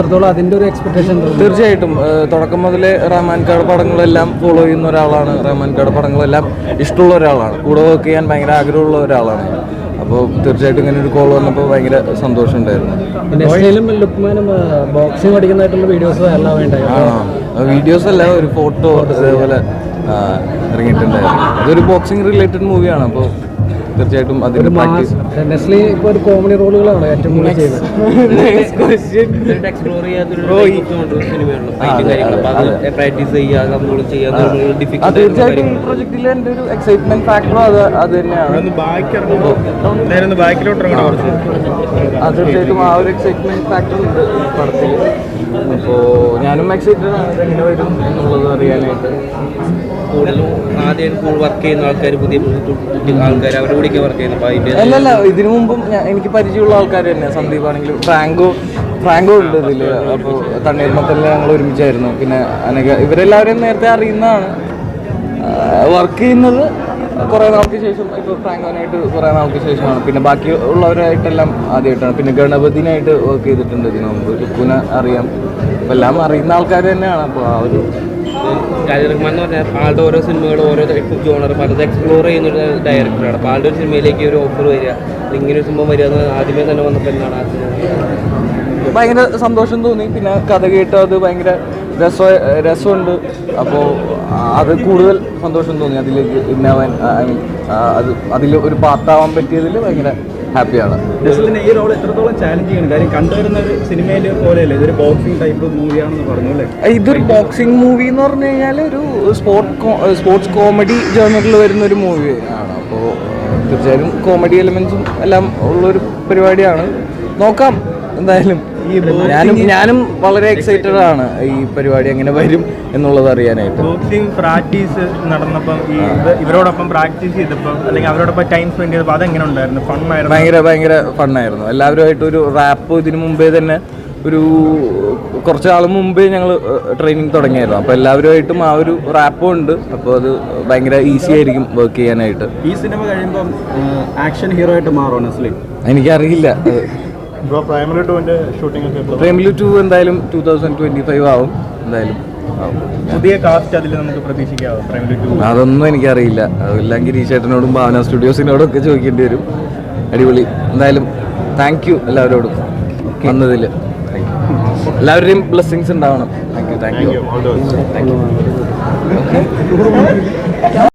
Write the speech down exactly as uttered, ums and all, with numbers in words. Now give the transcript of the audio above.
എത്രത്തോളം അതിൻ്റെ ഒരു എക്സ്പെക്ടേഷൻ? തീർച്ചയായിട്ടും തുടക്കം മുതലേ റഹ്മാൻകാട് പടങ്ങളെല്ലാം ഫോളോ ചെയ്യുന്ന ഒരാളാണ്. റഹ്മാൻകാട് പടങ്ങളെല്ലാം ഇഷ്ടമുള്ള ഒരാളാണ്. കൂടെ വർക്ക് ചെയ്യാൻ ഭയങ്കര ആഗ്രഹമുള്ള ഒരാളാണ്. അപ്പോൾ തീർച്ചയായിട്ടും ഇങ്ങനെ ഒരു കോൾ വന്നപ്പോൾ ഭയങ്കര സന്തോഷം ഉണ്ടായിരുന്നു. നെസ്ലിനും ലുക്മാനും ബോക്സിംഗ് പഠിക്കുന്നതായിട്ടുള്ള വീഡിയോസ് എല്ലാം വേണ്ടായി. ആ വീഡിയോസ് അല്ല, ഒരു ഫോട്ടോ അതേപോലെ ഇറങ്ങിയിട്ടുണ്ടായിരുന്നു. അതൊരു ബോക്സിംഗ് റിലേറ്റഡ് മൂവിയാണ്. അപ്പോൾ തീർച്ചയായിട്ടും അതിന് പ്രാക്ടീസ്. നെസ്ലി ഇപ്പോൾ ഒരു കോമഡി റോളുകളാണ് ഏറ്റവും കൂടുതൽ ചെയ്യുന്നത്. തീർച്ചയായിട്ടും ഈ പ്രൊജക്റ്റിൽ എൻ്റെ ഒരു എക്സൈറ്റ്മെന്റ് ഫാക്ടറും അത് അത് തന്നെയാണ്. തീർച്ചയായിട്ടും ആ ഒരു എക്സൈറ്റ്മെന്റ് ഫാക്ടർ ഉണ്ട് പടത്തിൽ. അപ്പോൾ ഞാനും എക്സൈറ്റഡ് ആണ് എങ്ങനെ വരും എന്നുള്ളത് അറിയാനായിട്ട്. കൂടുതലും ആദ്യം വർക്ക് ചെയ്യുന്ന ആൾക്കാർ, പുതിയ ആൾക്കാർ അവരുടെ കൂടെയൊക്കെ വർക്ക് ചെയ്യുന്നു. അല്ലല്ല, ഇതിനു മുമ്പും എനിക്ക് പരിചയമുള്ള ആൾക്കാർ തന്നെയാണ്. സന്ദീപ് ആണെങ്കിലും ഫ്രാങ്കോ ഫ്രാങ്കോ ഉണ്ട് ഇതിൽ. അപ്പോൾ തണ്ണീർമത്തലിൽ ഞങ്ങൾ ഒരുമിച്ചായിരുന്നു. പിന്നെ അനഘ, ഇവരെല്ലാവരെയും നേരത്തെ അറിയുന്നതാണ്. വർക്ക് ചെയ്യുന്നത് കുറേ നാൾക്ക് ശേഷം, ഇപ്പോൾ ഫ്രാങ്കോനായിട്ട് കുറേ നാൾക്ക് ശേഷമാണ്. പിന്നെ ബാക്കി ഉള്ളവരായിട്ടെല്ലാം ആദ്യമായിട്ടാണ്. പിന്നെ ഗണപതിനായിട്ട് വർക്ക് ചെയ്തിട്ടുണ്ട് ഇതിനു മുമ്പ്. ലുക്കുനെ അറിയാം. അപ്പോൾ എല്ലാം അറിയുന്ന ആൾക്കാർ തന്നെയാണ്. അപ്പോൾ ആ ഒരു റഹ്മാൻ എന്ന് പറഞ്ഞാൽ ആളുടെ ഓരോ സിനിമകളും ഓരോ ജോണർ പലത് എക്സ്പ്ലോർ ചെയ്യുന്ന ഒരു ഡയറക്ടറാണ്. അപ്പോൾ ആളുടെ ഒരു സിനിമയിലേക്ക് ഒരു ഓഫർ വരിക, ഇങ്ങനെ ഒരു സംഭവം വരിക എന്ന് ആദ്യമേ തന്നെ വന്നപ്പോൾ എന്താണ് ആ സിനിമ? ഭയങ്കര സന്തോഷം തോന്നി. പിന്നെ കഥ കേട്ട് അത് ഭയങ്കര രസ രസമുണ്ട്. അപ്പോൾ അത് കൂടുതൽ സന്തോഷം തോന്നി. അതിലേക്ക് ഇന്നാവാൻ, ഐ മീൻ അത് അതിൽ ഒരു പാർട്ടാവാൻ പറ്റിയതിൽ ഭയങ്കര ഹാപ്പിയാണ്. ഈ റോൾ എത്രത്തോളം ചാലഞ്ച് ചെയ്യണം? കാര്യം കണ്ടുവരുന്ന ഒരു സിനിമയിൽ പോലെയല്ലേ, ഇതൊരു ബോക്സിംഗ് ടൈപ്പ് മൂവിയാണെന്ന് പറഞ്ഞു അല്ലേ? ഇതൊരു ബോക്സിംഗ് മൂവി എന്ന് പറഞ്ഞു കഴിഞ്ഞാൽ ഒരു സ്പോർട്ട് സ്പോർട്സ് കോമഡി ജേർണറിൽ വരുന്ന ഒരു മൂവി ആണ്. അപ്പോൾ തീർച്ചയായും കോമഡി എലിമെന്റ്സും എല്ലാം ഉള്ളൊരു പരിപാടിയാണ്. നോക്കാം എന്തായാലും. ഞാനും ഞാനും വളരെ എക്സൈറ്റഡ് ആണ് ഈ പരിപാടി എങ്ങനെ വരും എന്നുള്ളത് അറിയാനായിട്ട്. ബോക്സിംഗ് പ്രാക്ടീസ് നടന്നപ്പം ഈ ഇവരോടൊപ്പം പ്രാക്ടീസ് ചെയ്തപ്പോൾ അല്ലെങ്കിൽ അവരോടൊപ്പം ടൈം സ്പെൻഡ് ചെയ്തപ്പോൾ അതെങ്ങനെ ഉണ്ടായിരുന്നു? ഫണ്ണായിരുന്നു? ഭയങ്കര ഭയങ്കര ഫണ്ണായിരുന്നു. എല്ലാവരുമായിട്ട് ഒരു റാപ്പ് ഇതിനു മുമ്പേ തന്നെ ഒരു കുറച്ച് നാൾ മുമ്പേ ഞങ്ങൾ ട്രെയിനിങ് തുടങ്ങിയായിരുന്നു. അപ്പോൾ എല്ലാവരുമായിട്ടും ആ ഒരു റാപ്പും ഉണ്ട്. അപ്പോൾ അത് ഭയങ്കര ഈസി ആയിരിക്കും വർക്ക് ചെയ്യാനായിട്ട്. ഈ സിനിമ കഴിയുമ്പോൾ ആക്ഷൻ ഹീറോ ആയിട്ട് മാറുമോ നെസ്ലി? എനിക്കറിയില്ല. പ്രേമലു ടു എന്തായാലും ടൂ തൗസൻഡ് ട്വന്റി ഫൈവ് ആവും എന്തായാലും. പുതിയ കാസ്റ്റ് അതിൽ നമുക്ക് പ്രതീക്ഷിക്കാവോ പ്രേമലു ടു? അതൊന്നും എനിക്കറിയില്ല. അതെല്ലാം ഗിരീഷേട്ടനോടും ഭാവന സ്റ്റുഡിയോസിനോടും ഒക്കെ ചോദിക്കേണ്ടി വരും. അടിപൊളി. എന്തായാലും താങ്ക് യു എല്ലാവരോടും വന്നതിൽ. എല്ലാവരുടെയും ബ്ലെസ്സിങ്സ് ഉണ്ടാവണം. Thank you thank you thank U.